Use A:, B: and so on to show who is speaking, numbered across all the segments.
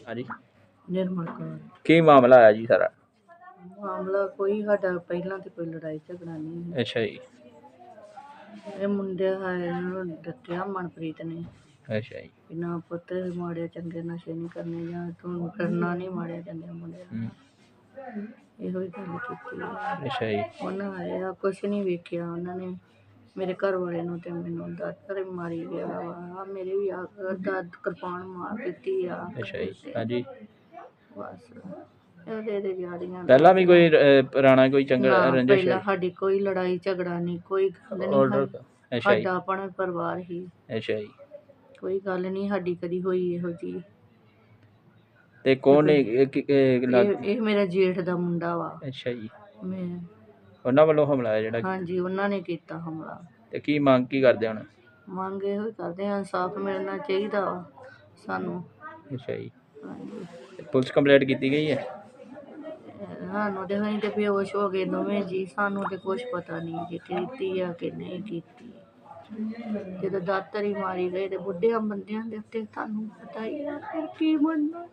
A: ਹਾਂਜੀ
B: निर्मल कौर।
A: ਕੀ ਮਾਮਲਾ ਆਇਆ ਜੀ ਸਾਰਾ?
B: मामला कोई साडा पहला तो कोई लड़ाई झगड़ा नहीं है।
A: ਅੱਛਾ ਜੀ।
B: ये मुंडे इन्होंने दस्या मनप्रीत ने
A: ਅੱਛਾ जी।
B: कि ना पुत्त माड़े चंगे नशे नहीं करने या तू करना नहीं माड़े चंगे मुंडे ਇਹੋ ਹੀ ਗੱਲ ਕੀਤੀ ਹੈ।
A: ਅੱਛਾ ਜੀ।
B: ਉਹਨਾਂ ਆਇਆ ਕੁਛ ਨਹੀਂ ਵੇਖਿਆ ਉਹਨਾਂ ਨੇ ਮੇਰੇ ਘਰ ਵਾਲੇ ਨੂੰ ਤੇ ਮੈਨੂੰ ਦਾਤਰ ਮਾਰੀ ਗਿਆ ਵਾ ਮੇਰੇ ਵੀ ਆ ਦਰਦ ਕਿਰਪਾਨ ਮਾਰ ਦਿੱਤੀ ਆ।
A: ਅੱਛਾ ਜੀ। ਹਾਂਜੀ
B: ਬਸ ਇਹਦੇ ਜਾੜੀਆਂ
A: ਪਹਿਲਾਂ ਵੀ ਕੋਈ ਪੁਰਾਣਾ ਕੋਈ ਚੰਗਾ ਰੰਜਿਸ਼
B: ਪਹਿਲਾਂ ਸਾਡੀ ਕੋਈ ਲੜਾਈ ਝਗੜਾ ਨਹੀਂ ਕੋਈ ਗੱਲ ਨਹੀਂ
A: ਆਰਡਰ? ਅੱਛਾ ਜੀ।
B: ਸਾਡਾ ਆਪਣਾ ਪਰਿਵਾਰ ਹੀ।
A: ਅੱਛਾ ਜੀ।
B: ਕੋਈ ਗੱਲ ਨਹੀਂ ਸਾਡੀ ਕਦੀ ਹੋਈ ਇਹੋ ਜੀ।
A: ਤੇ ਕੌਣ
B: ਇਹ ਮੇਰਾ ਜੇਠ ਦਾ ਮੁੰਡਾ ਵਾ।
A: ਅੱਛਾ ਜੀ।
B: ਮੈਂ
A: ਉਹਨਾਂ ਵੱਲੋਂ ਹਮਲਾ ਹੈ ਜਿਹੜਾ?
B: ਹਾਂਜੀ ਉਹਨਾਂ ਨੇ ਕੀਤਾ ਹਮਲਾ।
A: ਤੇ ਕੀ ਮੰਗ ਕੀ ਕਰਦੇ ਹੁਣ?
B: ਮੰਗ ਇਹੋ ਹੀ ਕਰਦੇ ਹਾਂ ਇਨਸਾਫ ਮਿਲਣਾ ਚਾਹੀਦਾ ਵਾ ਸਾਨੂੰ।
A: ਅੱਛਾ ਜੀ।
B: ਹਾਂਜੀ
A: ਪੁਲਿਸ ਕੰਪਲੇਂਟ ਕੀਤੀ ਗਈ ਹੈ?
B: ਸਾਨੂੰ ਤੇ ਅਸੀਂ ਤੇ ਬੇਹੋਸ਼ ਹੋ ਗਏ ਦੋਵੇਂ ਜੀ। ਸਾਨੂੰ ਤੇ ਕੁਛ ਪਤਾ ਨਹੀਂ ਜੇ ਕੀਤੀ ਆ ਕਿ ਨਹੀਂ ਕੀਤੀ। ਜਦੋਂ ਦਾਤਰ ਹੀ ਮਾਰੀ ਗਏ ਤੇ ਬੁੱਢਿਆਂ ਬੰਦਿਆਂ ਦੇ ਉੱਤੇ ਤੁਹਾਨੂੰ ਪਤਾ ਹੀ ਆ ਫਿਰ ਕੀ ਬਣਨਾ।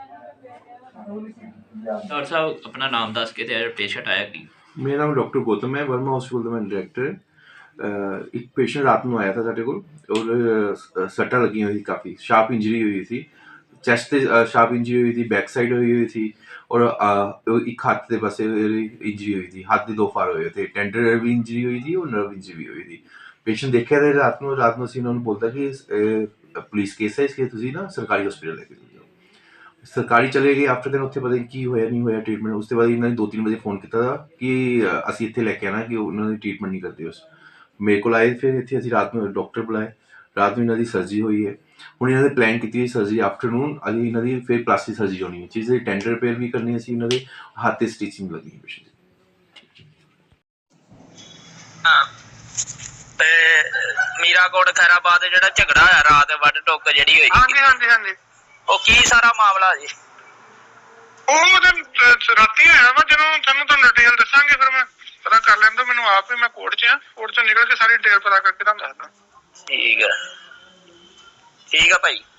A: ਡਾਕਟਰ ਸਾਹਿਬ ਆਪਣਾ ਨਾਮ ਦੱਸ ਕੇ ਤੇ ਪੇਸ਼ੈਂਟ ਆਇਆ ਕੀ?
C: ਮੇਰਾ ਨਾਮ ਡਾਕਟਰ ਗੌਤਮ ਹੈ, ਵਰਮਾ ਹॉस्पिटल ਦਾ ਮੈਂ ਡਾਇਰੈਕਟਰ। ਇੱਕ ਪੇਸ਼ੈਂਟ ਰਾਤ ਨੂੰ ਆਇਆ था ਸਾਡੇ ਕੋਲ ਔਰ ਸੱਟਾਂ ਲੱਗੀਆਂ ਹੋਈ ਸੀ, ਕਾਫੀ ਸ਼ਾਰਪ ਇੰਜਰੀ ਹੋਈ ਸੀ। ਚੈਸਟ ਤੇ ਸ਼ਾਰਪ ਇੰਜਰੀ ਹੋਈ ਸੀ, ਬੈਕ ਸਾਈਡ ਹੋਈ ਸੀ ਔਰ ਇੱਕ ਹੱਥ ਦੇ ਪਾਸੇ ਇੰਜਰੀ ਹੋਈ ਸੀ। ਹੱਥ ਦੇ ਦੋ ਫਾੜ ਹੋਏ थे, ਟੈਂਡਰ ਵੀ ਇੰਜਰੀ ਹੋਈ ਸੀ ਔਰ ਨਰਵ ਇੰਜਰੀ ਵੀ ਹੋਈ ਸੀ। ਪੇਸ਼ੈਂਟ ਦੇਖਿਆ ਤੇ ਰਾਤ ਨੂੰ ਅਸੀਂ ਉਹਨਾਂ ਨੂੰ ਬੋਲਦਾ ਕਿ ਪੁਲਿਸ ਕੇਸ ਹੈ, ਇਸ ਲਈ ਤੁਸੀਂ ਨਾ ਸਰਕਾਰੀ ਹॉस्पिटल ਲੈ ਕੇ ਜਾਓ। ਸਰਕਾਰੀ ਚਲੇ ਗਏ। ਆਫਟਰ ਦਿਨ ਉੱਥੇ ਪਤਾ ਨਹੀਂ ਕੀ ਹੋਇਆ ਨਹੀਂ ਹੋਇਆ ਟ੍ਰੀਟਮੈਂਟ। ਉਸ ਤੋਂ ਬਾਅਦ ਇਹਨਾਂ ਨੇ 2-3 ਵਜੇ ਫੋਨ ਕੀਤਾ ਕਿ ਅਸੀਂ ਇੱਥੇ ਲੈ ਕੇ ਆਉਣਾ ਕਿ ਉਹਨਾਂ ਦੀ ਟ੍ਰੀਟਮੈਂਟ ਨਹੀਂ ਕਰਦੇ। ਉਸ ਮੇਰੇ ਕੋਲ ਆਏ, ਫਿਰ ਇੱਥੇ ਅਸੀਂ ਰਾਤ ਨੂੰ ਡਾਕਟਰ ਬੁਲਾਏ। ਰਾਤ ਨੂੰ ਇਹਨਾਂ ਦੀ ਸਰਜਰੀ ਹੋਈ ਹੈ। ਹੁਣ ਇਹਨਾਂ ਨੇ ਪਲਾਨ ਕੀਤੀ ਸਰਜਰੀ ਆਫਟਰਨੂਨ ਅਸੀਂ ਇਹਨਾਂ ਦੀ ਫਿਰ ਪਲਾਸਟਿਕ ਸਰਜਰੀ ਹੋਣੀ ਹੈ। ਚੀਜ਼ ਟੈਂਡਰ ਰਿਪੇਅਰ ਵੀ ਕਰਨੀ ਸੀ ਇਹਨਾਂ ਦੇ ਹੱਥ 'ਤੇ ਸਟਿਚਿੰਗ ਲੱਗਣੀ ਹੈ ਪੇਸ਼ੈਂਟ ਦੀ।
A: ਤੇ ਮੀਰਾਕੋਟ ਖੈਰਾਬਾਦ ਜਿਹੜਾ ਝਗੜਾ ਹੋਇਆ ਰਾਤ ਵੱਢ ਟੁੱਕ ਜਿਹੜੀ ਹੋਈ?
D: ਹਾਂਜੀ
A: ਉਹ ਕੀ ਸਾਰਾ ਮਾਮਲਾ ਜੀ?
D: ਉਹ ਰਾਤੀ ਆਇਆ ਵਾ। ਜਦੋਂ ਤੁਹਾਨੂੰ ਡਿਟੇਲ ਦੱਸਾਂਗੇ ਫਿਰ ਮੈਂ ਪਤਾ ਕਰ ਲੈਂਦਾ। ਮੈਨੂੰ ਆਪ ਹੀ ਮੈਂ ਕੋਰਟ 'ਚ ਆ, ਕੋਰਟ 'ਚੋਂ ਨਿਕਲ ਕੇ ਸਾਰੀ ਡਿਟੇਲ ਪਤਾ ਕਰਕੇ ਤੁਹਾਨੂੰ ਦੱਸਦਾ।
A: ਠੀਕ ਹੈ ਭਾਈ।